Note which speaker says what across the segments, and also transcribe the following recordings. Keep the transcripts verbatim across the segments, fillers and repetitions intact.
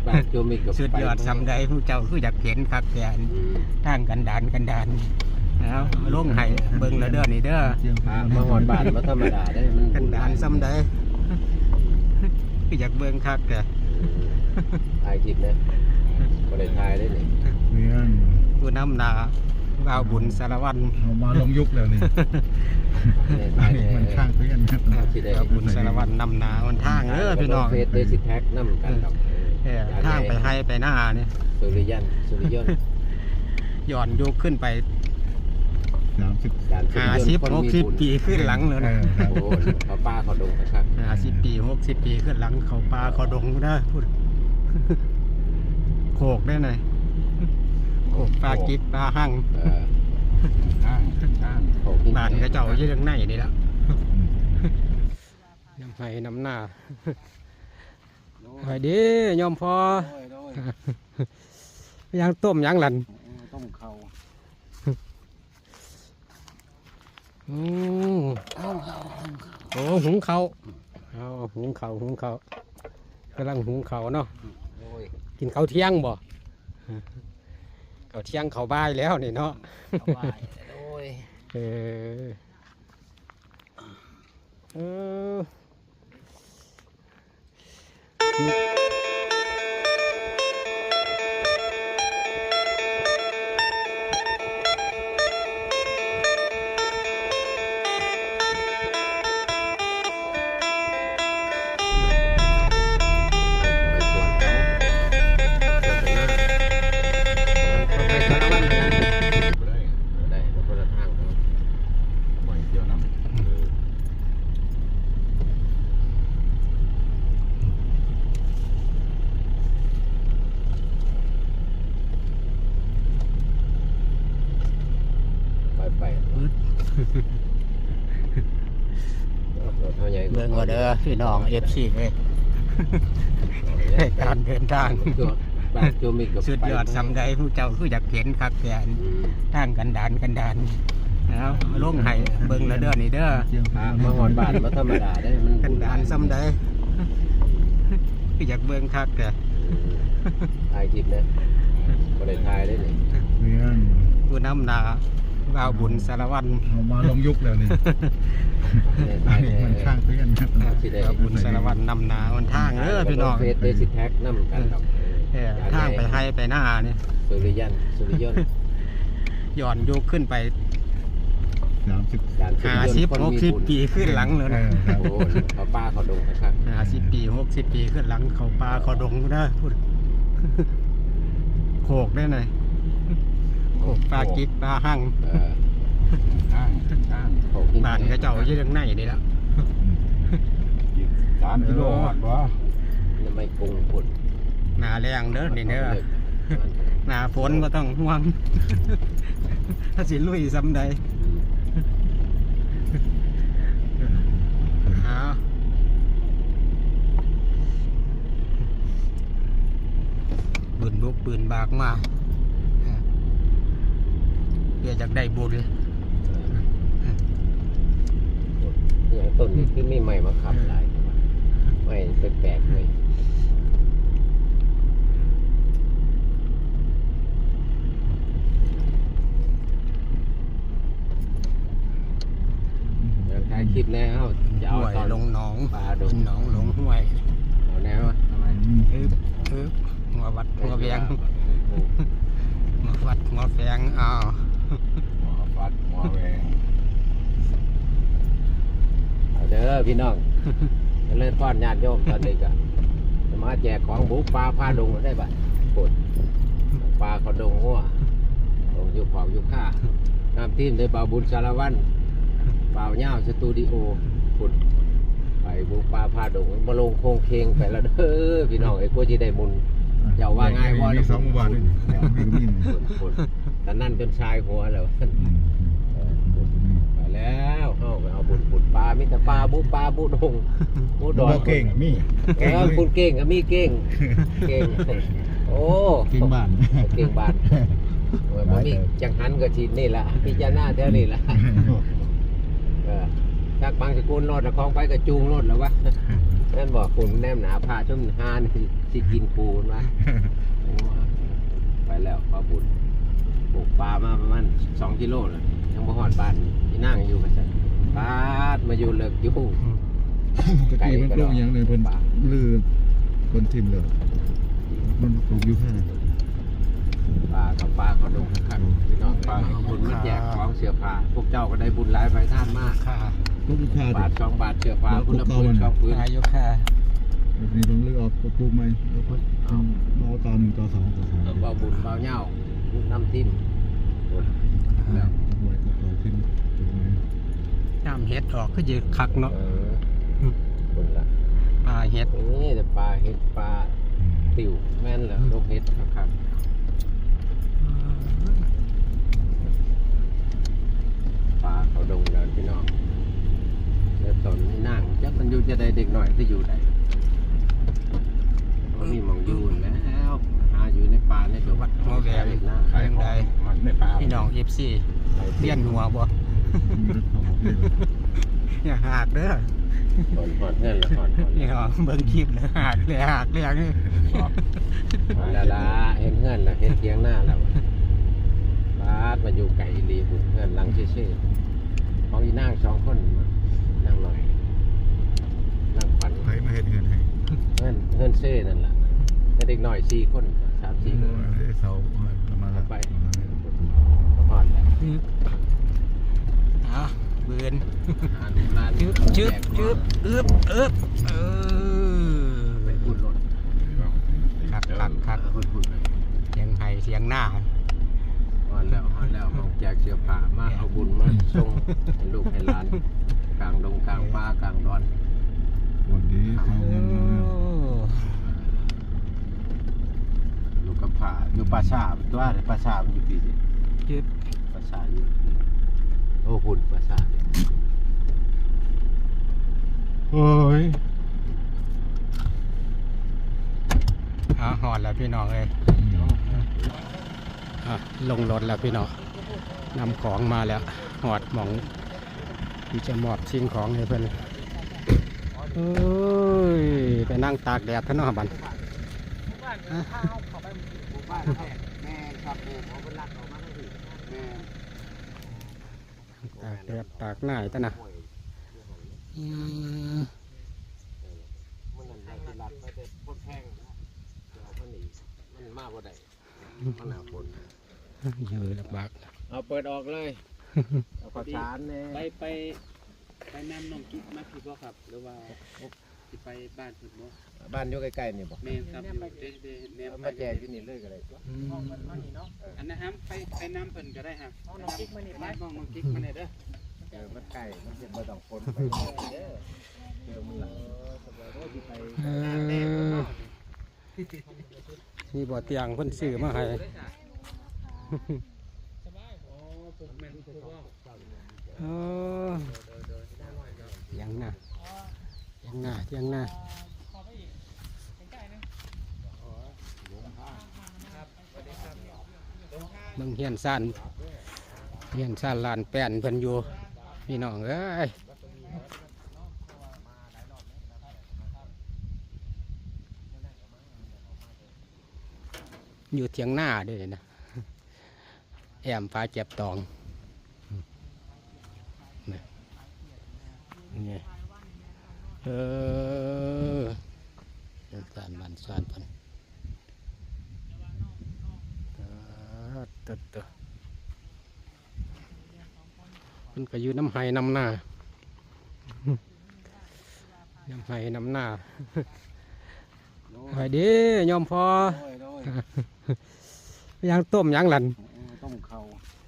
Speaker 1: สุดยอดซ้ำใดผู้เจ้าคืออยากเห็นคักแกนทางกันดานกันดานแล้วลงให้เบิ่งแล้วเด้อนี่เด้อ
Speaker 2: มาหอนบาทมาธรรมดาได้มัน
Speaker 1: กันดานซ้ำใดคืออยากเบิ่งคักแก
Speaker 2: ถ่ายคลิปนะบ่ได้ถ่ายได้นี่
Speaker 1: ผู้นำหน้าบ่าวบุญสารวัตร
Speaker 3: เอามาลงยุคแล้วนี่มันข้างเพื่อนครับ
Speaker 1: บ่าวบุญสารวัตรนำหน้ามันทางเด้อพี่น้อง
Speaker 2: เฟซเดซิแท็กนำกันครับ
Speaker 1: ทางไปให้ไปหน้านี่
Speaker 2: สุริยันสุริยนต์
Speaker 1: ย้อนยุคขึ้นไป
Speaker 3: สามสิบ
Speaker 1: ห้าสิบหกสิบปีขึ้นหลังเลยนะ
Speaker 2: โอ้เขาป้าเขาดงครับ
Speaker 1: ห้าสิบปีหกสิบปีขึ้นหลังเขาป่าเขาดงนะพูดโขกได้หน่อยโขกปลากิ๊บปลาหั่ง
Speaker 3: ห้างห้าง
Speaker 1: บ้านกระเจ้าอยู่ทางในนี่แล้วน้ำไห้น้ำหน้าไปดิยอมพอยังต้มยังหลัน
Speaker 3: ต้มเขา
Speaker 1: โอ้โหหุงเขาเอาหุงเขาหุงเขากำลังหุงเขาเนาะกินข้าวเที่ยงบ่ข้าวเที่ยงข้าวบ่ายแล้วนี่เนาะเออเออเบิ่งว่าเด้อพี่น้องเอฟซีเลยการเดินทางสุดยอดซ้ำใดผู้เจ้าคืออยากเห็นคักแกนทางกันดานกันดานแล้วลงให้เบิ่งแล้วเด้อนี่เด้อ
Speaker 2: มาหอนบาทมาธรรมดาได้มัน
Speaker 1: กันดานซ้ำใดคืออยากเบิ่งคักแก
Speaker 2: ถ่ายคลิปนะบ่ได้ถ่ายได้นี่
Speaker 1: ผู้นำหน้าบ่าวบุญสารวัตร
Speaker 3: เอามาลงยุคแล้วนี่มันข้างเพื่อนครับ
Speaker 1: บ่าวบุญสารวัตรนำหน้ามันทางเด้อพี่น้อง
Speaker 2: เฟซเดซิแท็กนำกันครับ
Speaker 1: ทางไปให้ไปหน้านี่
Speaker 2: สุริยันสุริยนต์
Speaker 1: ย้อนยุคขึ้นไป
Speaker 3: สามสิบ
Speaker 1: ห้าสิบหกสิบปีขึ้นหลังเลยนะ
Speaker 2: โอ้เขาป้าเขาดงครับ
Speaker 1: ห้าสิบปีหกสิบปีขึ้นหลังเขาป่าเขาดงนะพูดโขกได้หน่อยโขกปลากิ๊บปลาหั่ง
Speaker 3: ห้างห้าง
Speaker 1: บ้านกระเจ้าอยู่ทางในนี่แล้ว
Speaker 3: สามกิโลหอดวะ
Speaker 2: ไม่กุ้งพุ่น
Speaker 1: หนาแรงเด้อนี่เด้อหนาฝนก็ต้องห่วงถ้าสิลุยซ้ำใดปืนบุกปืนบากมาเพื่อจะได้บุญ
Speaker 2: อย่างต้นนี้คือไม่ใหม่มาขับหลายไม่แปลกๆเลยถ่ายคลิปแล้ว
Speaker 1: จะเอาตอนลงหนองปลาโดนหนองลงห้วย
Speaker 2: เอาแนว
Speaker 1: อึ๊บอึ๊บหัววัดหัวแฝงหัววัดหัวแฝงอ้าว
Speaker 3: หัววัดหัวแฝง
Speaker 2: เอาเด้อพี่น้องเล่นทอดญาติโยมตอนนี้ก็มาแจกของบุกปลาพาดงได้ป่ะปวดปลาเขาดงหัวดงยุคของยุคข้าน้ำทีมในบ่าวบุญสารวัตรบ่าวเง่าสตูดิโอปุดไปบุกปลาพาดงมาลงโคงเคงไปแล้วเด้อพี่น้องไอ้พวกที่ได้มุนเจ้าว่าง่ายว่า
Speaker 3: มีสองวันนี่
Speaker 2: แต่นั่นจนชายหัวแล้วไปแล้วเอาไปเอาบุญบุญปลามิตรปลาบุปลาบุดงบุดอน
Speaker 3: เก่งมี
Speaker 2: เออคุณเก่งกับมีเก่งเก่งโอ้
Speaker 3: เก่งบ้าน
Speaker 2: เก่งบ้านบ่มีจังหันกับชีนี่แหละพิจารณาเท่านี้แหละจากบางสกุลรถคลองไปกับจูงรถแล้ววะนั่นบอกคุณแนมหนาพาชุ่มหานสิกินปูนมาไปแล้วปลาบุญปลูกปลามาประมาณสองกิโลเลยยังบ่หอดบ้านที่นั่งอยู่กันจ้ะปลามาอยู่เลิกอยู่
Speaker 3: ตะกี้มันปลูกอย่างเลยเพิ่นลือเพิ่นทิ่มเลยมันปลูกอยู่แค่
Speaker 2: ปลากับปลาเขาดงขังพี่น้องปลาบุญมาแจกของเสื้อผ้าพวกเจ้าก็ได้บุญหลายไปท่านมาก
Speaker 1: ค่ะ
Speaker 3: ปลูกอยู่แค่
Speaker 2: บาทสองบาทเสื้อผ้าคุณละพื้นสองพื้น
Speaker 1: อายุค่ะ
Speaker 3: นี่ต้องเลือกออกปลูกใหม่แล้วก็เอาต่อหนึ่งต่อสองต่อสาม
Speaker 2: เบาบุญเบาเหย้าน้ำทิ่มแล้ว
Speaker 3: ไว้ก็ต่อขึ้นปลูกใหม่
Speaker 1: น้ำเห็ดออกก็จะคักเนาะ
Speaker 2: เออคนละ
Speaker 1: ปลาเห็ด
Speaker 2: นี่แต่ปลาเห็ดปลาติ๋วแม่นเหรอลูกเห็ดครับปลาเขาดงเดินพี่น้องเดี๋ยวตนนี่นั่งจักมันอยู่จะได้เด็กหน่อยที่อยู่ไหนมีมองอยู่แล้วหาอยู่ในป่าในจังหวัด
Speaker 1: หัวแหวนไปยังไง
Speaker 2: ในป่า
Speaker 1: พี่น้องเอฟซีเลี้ยนหัวบ่
Speaker 3: มีรถเขาบอกเลย
Speaker 1: อย่าหักเด้อ
Speaker 2: หอนหอนเงินละหอนหอน
Speaker 1: นี่เหรอเบิ่งคลิปเลยหักเลยหักเลยนี่
Speaker 2: ละละเห็นเงินละเห็นเทียงหน้าแล้วบาสมาอยู่ไก่ลีบุญเงินลังเชื่อๆของอีนั่งสองคนนั่งหน่อยนั่งฝัน
Speaker 3: ใครมาเห็นเงินให้
Speaker 2: เงินเงินเซ่นั่นแหละเด็กหน่อยสี่คนสามสี่คน
Speaker 3: เสาประมาณละ
Speaker 2: ไปหอนแล้ว
Speaker 1: อ่ะเบือน
Speaker 2: อ่านร้าน
Speaker 1: จึ๊บจึ๊บจึ๊บอึ๊บอึ๊บเออ
Speaker 2: ไปพูดรถ
Speaker 1: คักคักคัก
Speaker 2: พูดพูดไป
Speaker 1: เสียงไห้เสียงหน้า
Speaker 2: หอนแล้วหอนแล้วมองแจกเสื้อผ้ามาเอาบุญมาส่งให้ลูกให้หลานกลางดงกลางป่ากลางดอน
Speaker 3: วันนี้เขาเงินมา
Speaker 2: ลูกกับผาอยู่ป่าชาตัวในป่าชามันอยู่ปีนี้
Speaker 1: จึ๊บ
Speaker 2: ป่าชาอยู่โอ้หุ่นป่าชาเนี่ย
Speaker 3: โอ้ย
Speaker 1: อ่ะหอดแล้วพี่น้องเอ้ยอ่ะลงรถแล้วพี่น้องนำของมาแล้วหอดหมองที่จะมอบสิ่งของให้เพื่อนเอ้ยไปนั่งตากแดดท่านน้องบัน
Speaker 2: แม่ครับแม่เขาเป็นรักออกมาทั้งทีแม่
Speaker 1: ตากแดดตากหน้าท่านนะอืม
Speaker 2: มันนั่นได้ที่รักไม่ได้พ้นแพงนะเดี๋ยวมันหนีมันมากกว่าใดมันหนาฝน
Speaker 1: เยอะลำบาก
Speaker 2: เอาเปิดออกเลยเอาข้าวสารเนี่ย
Speaker 4: ไปไปไปนำน้องกิ๊กมาพี่บ่ครับ หรือว่าสิไปบ้านเพิ่นบ่
Speaker 2: บ้านอยู่ใกล้ๆนี่บอก
Speaker 4: แม่นครับอยู่เด้เด้แนว
Speaker 2: เอา
Speaker 4: ไป
Speaker 2: มาแจกที่นี่เลยก็ได้
Speaker 1: อืม
Speaker 4: อันนั้นครับไปไปนำเพิ่นก็ได้ครับน้องกิ๊กมานี่ไปน้องน้องกิ๊กมานี่เด้อ
Speaker 2: เออมันใกล้มันจะมาต้องฝนไปเด้อเดี๋ยวมันหลัง
Speaker 1: เออนี่บ่อเตียงเพิ่นซื้อมาให้ เออเตียงหน้าเตียงหน้าเตียงหน้าเบิ่งเฮียนซ่านเฮียนซ่านลานแป้นเพิ่นอยู่พี่น้องเอ้ยอยู่เถียงหน้าด้วยนะแอมฟ้าเจ็บตองนี่เออเดินสานมันสานพันตึ๊ดตึ๊ดมันก็อยู่น้ำไห้น้ำหน้าน้ำไห้น้ำหน้าไปดิยอมพอยังต้มยังหลัน
Speaker 2: ต้มเขา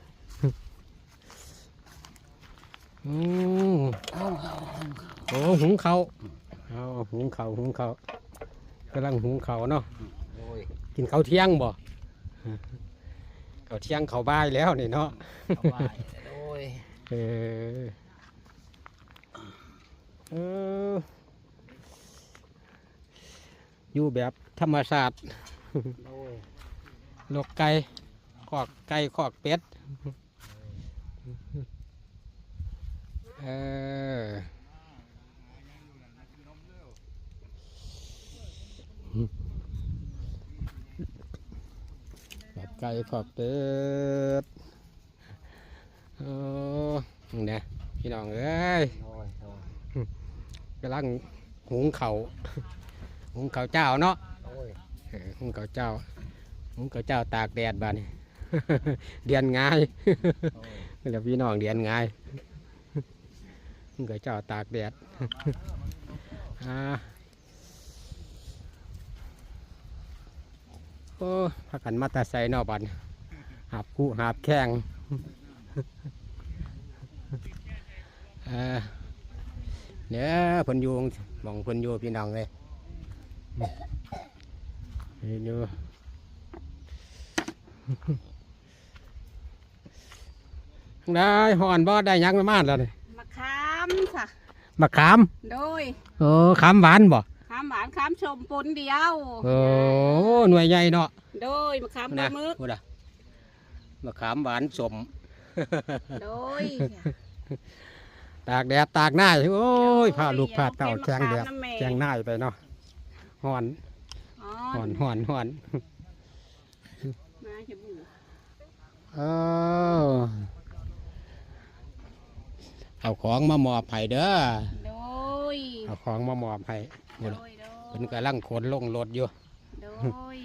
Speaker 1: อืมโอ้หุงเขาวเอาหุงเขาวหุงเขาวกำลังหุงเขาวเนาะ
Speaker 2: โอ้ย
Speaker 1: กินข้าวเที่ยงบ่ข้าวเที่ยงข้าวบ่ายแล้วนี่เนาะ
Speaker 2: เอาไว้โอ้ย
Speaker 1: เออเอออยู่แบบธรรมชาติ
Speaker 2: โอ้ย
Speaker 1: ลกไก่ขอกไก่ขอกเป็ดเออขอบไก่ขอบเป็ดโอ้เนี่ยพี่น้องเอ้ย
Speaker 2: โอ้ยโอ้ย
Speaker 1: กำลังหุงเขาวหุงเขาวเจ้าเนาะ
Speaker 2: โอ้ย
Speaker 1: เออหุงเขาวเจ้าหุงเขาวเจ้าตากแดดบ้านี่ เดือนง่าย
Speaker 2: โอ้ย
Speaker 1: เดี๋ยวพี่น้องเดือนง่ายหุงเขาวเจ้าตากแดด อ่าโอ้พักกันมาแตาใส่นอกบันหาบคู่หาบแข้ง เออเนี่ยเพิ่นอยู่หมองเพิ่นอยู่พี่น้องเลยนี่อยู่ ได้หอนบ่ได้หยังมาแล้วนี่
Speaker 5: มะขามค่ะ
Speaker 1: มะขาม
Speaker 5: โดย
Speaker 1: โอ้ขามหวานบ่
Speaker 5: ขามหวานขามชมปนเดียว
Speaker 1: โอ้หน่วยใหญ่เนาะ
Speaker 5: โดยมะขามปลา
Speaker 1: นะ
Speaker 5: หมึก
Speaker 1: พูดอะมะขามหวานสม
Speaker 5: โดย
Speaker 1: ตากแดดตากหน้าโอ้ยพาลูกพาเต่า
Speaker 5: เอา
Speaker 1: แจงแดด
Speaker 5: เป็นมะขามน้ำแม่
Speaker 1: แจงหน้าไปเนาะหอน
Speaker 5: อ๋อ
Speaker 1: หอนหอนหอน
Speaker 5: มาจะบู
Speaker 1: เออเอาของมามอบให้เด้อ
Speaker 5: โดย
Speaker 1: เอาของมามอบให้
Speaker 5: โด
Speaker 1: พุ่น
Speaker 5: ย
Speaker 1: น่ะ
Speaker 5: โด
Speaker 1: เพิ่น
Speaker 5: ย
Speaker 1: กำลังขนลงรถอยู่
Speaker 5: โดย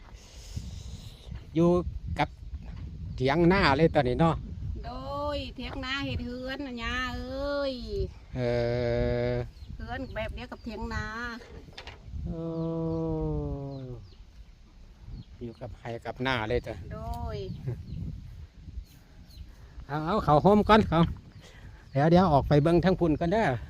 Speaker 1: อยู่กับเถียงหน้าเลยตอนนี้เนาะ
Speaker 5: โดยเทียงนาเห็ดเฮือนนะยาเอ้ย
Speaker 1: เออ
Speaker 5: เฮือนแบบเดียวกับเทียงนา
Speaker 1: โอ้อยู่กับไห้กับหน้าเลยจ้ะ
Speaker 5: โดย
Speaker 1: เอาเอาเขาโฮมก่อนเขาเดี๋ยวเดี๋ยวออกไปเบิ้งทั้งพุ่นกันเด้อ